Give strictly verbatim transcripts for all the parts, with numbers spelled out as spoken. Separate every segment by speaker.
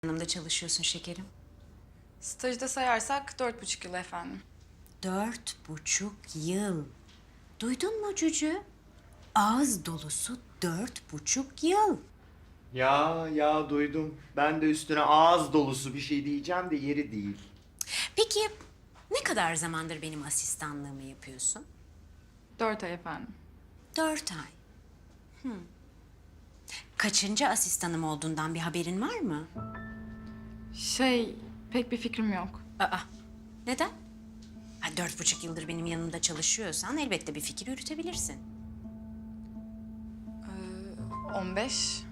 Speaker 1: Yanımda çalışıyorsun şekerim.
Speaker 2: Stajda sayarsak dört buçuk yıl efendim.
Speaker 1: Dört buçuk yıl. Duydun mu Cücü? Ağız dolusu dört buçuk yıl.
Speaker 3: Ya ya duydum. Ben de üstüne ağız dolusu bir şey diyeceğim de yeri değil.
Speaker 1: Peki ne kadar zamandır benim asistanlığımı yapıyorsun?
Speaker 2: Dört ay efendim.
Speaker 1: Dört ay. Hmm. Kaçıncı asistanım olduğundan bir haberin var mı?
Speaker 2: Şey, pek bir fikrim yok.
Speaker 1: Aa, neden? Ha, dört buçuk yıldır benim yanımda çalışıyorsan elbette bir fikir yürütebilirsin.
Speaker 2: On beş.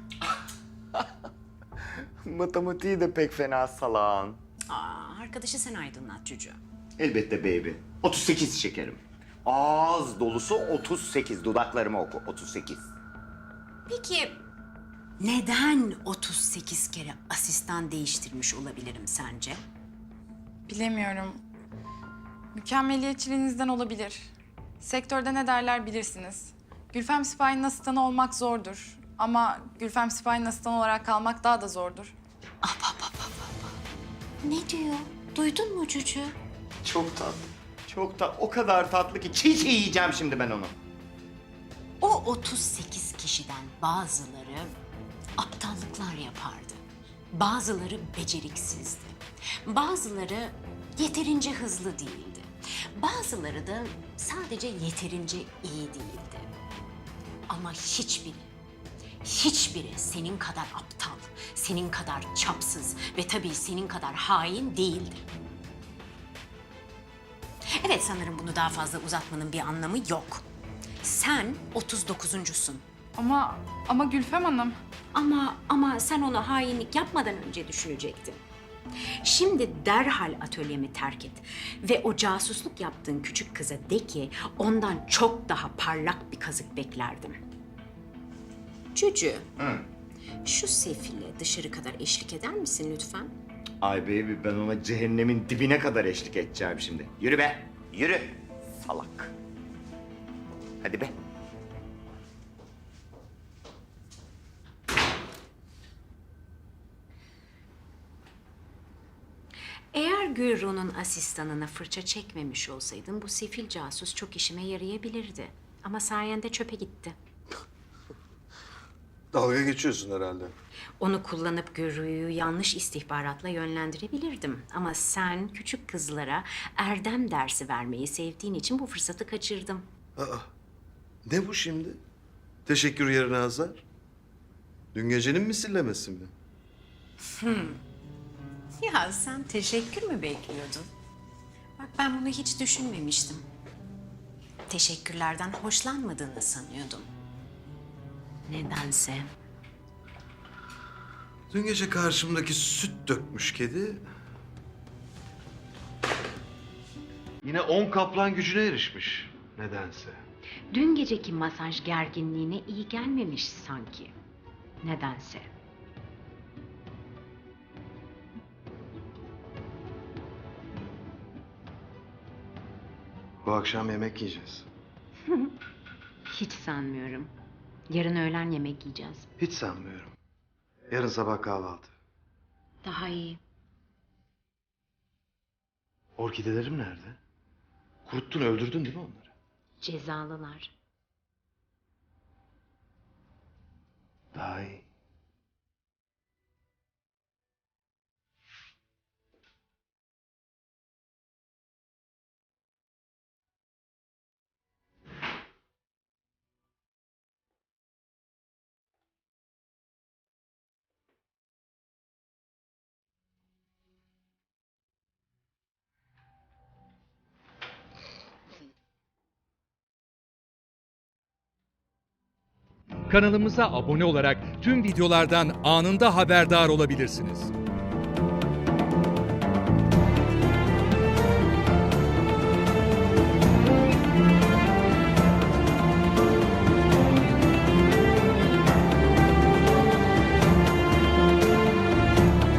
Speaker 3: Matematiği de pek fena salağın.
Speaker 1: Aa, arkadaşı sen aydınlat Cücü.
Speaker 3: Elbette baby. otuz sekiz şekerim. Ağız dolusu otuz sekiz. Dudaklarımı oku. otuz sekiz.
Speaker 1: Peki neden otuz sekiz kere asistan değiştirmiş olabilirim sence?
Speaker 2: Bilemiyorum. Mükemmeliyetçiliğinizden olabilir. Sektörde ne derler bilirsiniz. Gülfem Sipahi'nin asistanı olmak zordur. Ama Gülfem Sipahi'nin asistanı olarak kalmak daha da zordur.
Speaker 1: Ne diyor? Duydun mu Cücü?
Speaker 3: Çok tatlı. Çok tatlı. O kadar tatlı ki çiğ çiğ yiyeceğim şimdi ben onu.
Speaker 1: O otuz sekiz kişiden bazıları aptallıklar yapardı. Bazıları beceriksizdi. Bazıları yeterince hızlı değildi. Bazıları da sadece yeterince iyi değildi. Ama hiçbiri, hiçbiri senin kadar aptal, senin kadar çapsız ve tabii senin kadar hain değildi. Evet, sanırım bunu daha fazla uzatmanın bir anlamı yok. Sen otuz dokuzuncusun.
Speaker 2: Ama, ama Gülfem Hanım.
Speaker 1: Ama ama sen ona hainlik yapmadan önce düşünecektin. Şimdi derhal atölyemi terk et ve o casusluk yaptığın küçük kıza de ki ondan çok daha parlak bir kazık beklerdim. Cücü,
Speaker 3: Hı.
Speaker 1: şu sefile dışarı kadar eşlik eder misin lütfen?
Speaker 3: Ay baby ben ona cehennemin dibine kadar eşlik edeceğim şimdi. Yürü be. Yürü. Salak. Hadi be.
Speaker 1: Eğer Gürru'nun asistanına fırça çekmemiş olsaydın bu sefil casus çok işime yarayabilirdi. Ama sayende çöpe gitti.
Speaker 4: Dalga geçiyorsun herhalde.
Speaker 1: Onu kullanıp Gürru'yu yanlış istihbaratla yönlendirebilirdim. Ama sen küçük kızlara erdem dersi vermeyi sevdiğin için bu fırsatı kaçırdım.
Speaker 4: Aa, ne bu şimdi? Teşekkür yerine azar. Dün gecenin misillemesi mi?
Speaker 1: Ya sen teşekkür mü bekliyordun? Bak ben bunu hiç düşünmemiştim. Teşekkürlerden hoşlanmadığını sanıyordum. Nedense.
Speaker 4: Dün gece karşımdaki süt dökmüş kedi... Yine on kaplan gücüne erişmiş nedense.
Speaker 1: Dün geceki masaj gerginliğine iyi gelmemiş sanki. Nedense.
Speaker 4: Bu akşam yemek yiyeceğiz.
Speaker 1: Hiç sanmıyorum. Yarın öğlen yemek yiyeceğiz.
Speaker 4: Hiç sanmıyorum. Yarın sabah kahvaltı.
Speaker 1: Daha iyi.
Speaker 4: Orkidelerim nerede? Kuruttun, öldürdün değil mi onları?
Speaker 1: Cezalılar.
Speaker 4: Daha iyi.
Speaker 5: Kanalımıza abone olarak tüm videolardan anında haberdar olabilirsiniz.